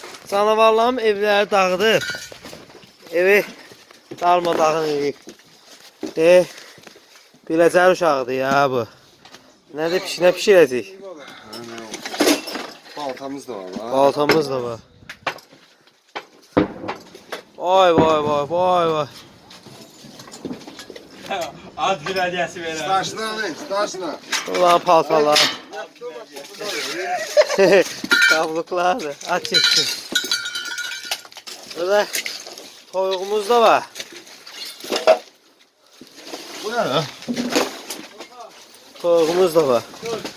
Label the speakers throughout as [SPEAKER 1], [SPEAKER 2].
[SPEAKER 1] Canavarlarım evləri dağıdıb. Evi darmadağın edib. Biləcər uşağıdır ya bu. Nə pişirəcək?
[SPEAKER 2] Baltamız da var lan.
[SPEAKER 1] Baltamız da var. Vay vay vay vay vay.
[SPEAKER 3] Ad günədiyəsi verər.
[SPEAKER 2] Staşla.
[SPEAKER 1] Ulan paltalar. Kabluklardır. Aç çeksin. Burada toyuğumuz da var.
[SPEAKER 2] Bu ne lan?
[SPEAKER 1] Toyuğumuz da var.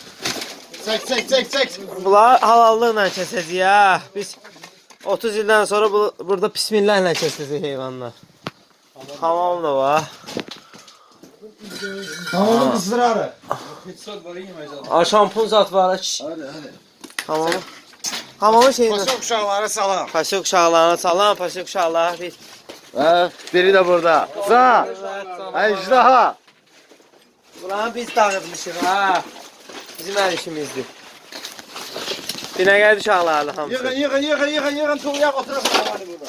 [SPEAKER 2] Çek.
[SPEAKER 1] Bunlar halallıqla kəsəcəyik ya. Biz 30 ildən sonra burada bismillahla kəsəcəyik heyvanlar. Hamam da var.
[SPEAKER 2] Hamamın ısrarı.
[SPEAKER 1] Şampun zat var.
[SPEAKER 2] Hadi.
[SPEAKER 1] Hamamı. Hamamın şeyindən.
[SPEAKER 2] Paşa uşaqları salam.
[SPEAKER 1] Paşa uşaqlarına salam, paşa uşaqlar.
[SPEAKER 2] Biri de burada. Sağ. Ejdaha.
[SPEAKER 1] Buranı biz dağıtmışıq ha. Bizim hər işimizdir. Binə gəldi uşaqlardı hamısı.
[SPEAKER 2] Yığın. Tuğuya oturasın hadi burada.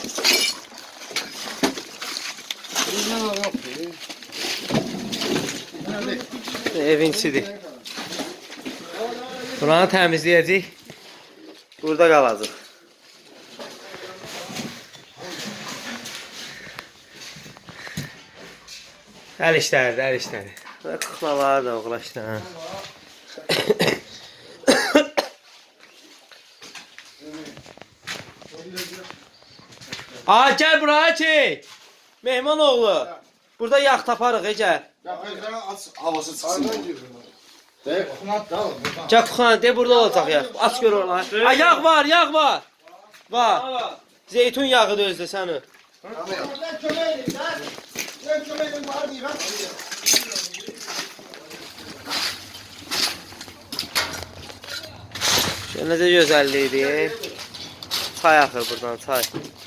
[SPEAKER 1] Evin içidir. Buranı təmizləyəcək. Burada qalacaq. Əl işləri. Və kıxmaları da uğraşdı. Gəl buraya çək. Mehman oğlu. Burada yağ taparıq, gəl.
[SPEAKER 2] Havası çıksın.
[SPEAKER 1] Gəl kuxana, de burada olacaq yağ. Aç gör oraları. Yağ var. Var. Zeytun yağı da özdə səni. Necə gözəllikdir. Çay axır buradan, çay.